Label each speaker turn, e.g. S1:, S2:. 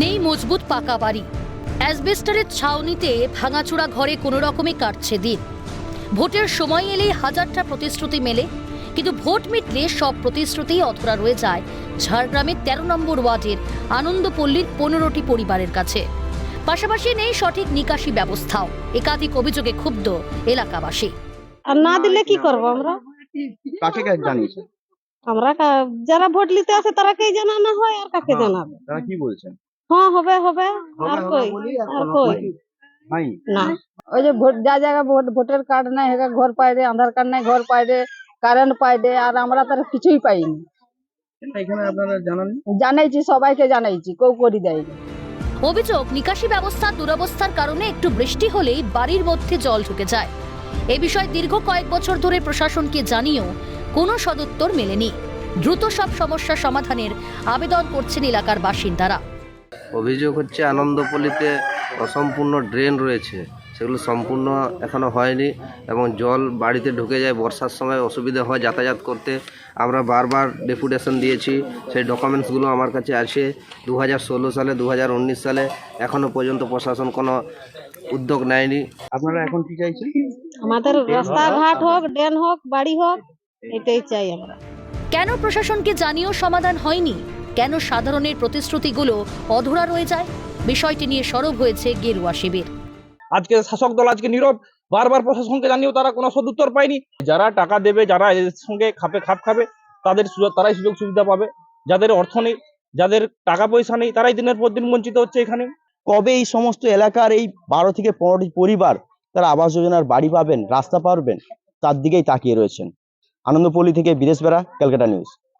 S1: নেই মজবুত পাকা বাড়ি, অ্যাসবেস্টারের ছাউনিতে ভাঙাচোরা ঘরে কোনো রকমে কাটছে দিন। ভোটের সময় এলেই হাজারটা প্রতিশ্রুতি মেলে, কিন্তু ভোট মিটলে সব প্রতিশ্রুতি অধরা রয়ে যায় ঝাড়গ্রামের 13 নম্বর ওয়ার্ডের আনন্দপল্লীর 15টি পরিবারের কাছে। পাশাপাশি নেই সঠিক নিকাশি ব্যবস্থাও। একাধিক অভিযোগে ক্ষুব্ধ এলাকাবাসী।
S2: আর না দিলে কি করব আমরা?
S3: কাকে কাকে জানিয়েছেন?
S2: আমরা যারা ভোট নিতে আসে তারাকেই জানানো হয়, আর কাকে জানাবে?
S3: তারা কি বলছেন?
S2: হ্যাঁ, হবে হবে, আর কই
S3: নাই
S2: না।
S4: ওই যে ভোট যা জায়গা ভোটার কার্ড নাই, ঘর পাই রে, আধার কার্ড নাই, ঘর পাই রে, কারেন্ট পাই রে, আর আমরা তার কিছুই পাইনি।
S3: এখানে আপনারা জানান?
S4: জানাইছি, সবাইকে জানাইছি, কেউ করি দেয়নি।
S1: অভিযোগ, নিকাশি ব্যবস্থার দুরবস্থার কারণে একটু বৃষ্টি হলেই বাড়ির মধ্যে জল ঢুকে যায়। এ বিষয়ে দীর্ঘ কয়েক বছর ধরে প্রশাসনকে জানিয়েও কোনো সদুত্তর মেলেনি। দ্রুত সব সমস্যা সমাধানের আবেদন করছেন এলাকার বাসিন্দারা।
S5: অভিযোগ হচ্ছে আনন্দপল্লীতে অসম্পূর্ণ ড্রেন রয়েছে, সেগুলো সম্পূর্ণ এখনো হয়নি এবং জল বাড়িতে ঢুকে যায়। বর্ষার সময় অসুবিধা হয় যাতায়াত করতে। আমরা বারবার ডেপুটেশন দিয়েছি, সেই ডকুমেন্টসগুলো আমার কাছে আছে। 2016 সালে, 2019 সালে, এখনো পর্যন্ত প্রশাসন কোনো উদ্যোগ নেয়নি।
S3: আপনারা এখন কি চাইছেন?
S2: আমাদের রাস্তাঘাট হোক, ড্রেন হোক, বাড়ি হোক, এটাই চাই আমরা।
S1: কেন প্রশাসনকে জানিয়েও সমাধান হয়নি? কেন সাধারণের প্রতিশ্রুতিগুলো অধরা রয়ে যায়? বিষয়টি নিয়ে সরব হয়েছে গেরুয়া শিবির।
S6: আজকে শাসক দল আজকে নীরব, বারবার প্রশাসনকে জানিয়েও তারা কোনো সদুত্তর পায়নি। যারা টাকা দেবে, যারা এর সঙ্গে খাপ খাবে, তারাই সুযোগ সুবিধা পাবে। যাদের অর্থ নেই, যাদের টাকা পয়সা নেই, তারাই দিনের পর দিন বঞ্চিত হচ্ছে। এখানে
S7: কবে এই সমস্ত এলাকার এই 12 থেকে 15টি পরিবার তারা আবাস যোজনার বাড়ি পাবেন, রাস্তা পাবেন, তার দিকেই তাকিয়ে রয়েছেন। আনন্দপল্লী থেকে বিদেশ বেড়া, ক্যালকাটা নিউজ।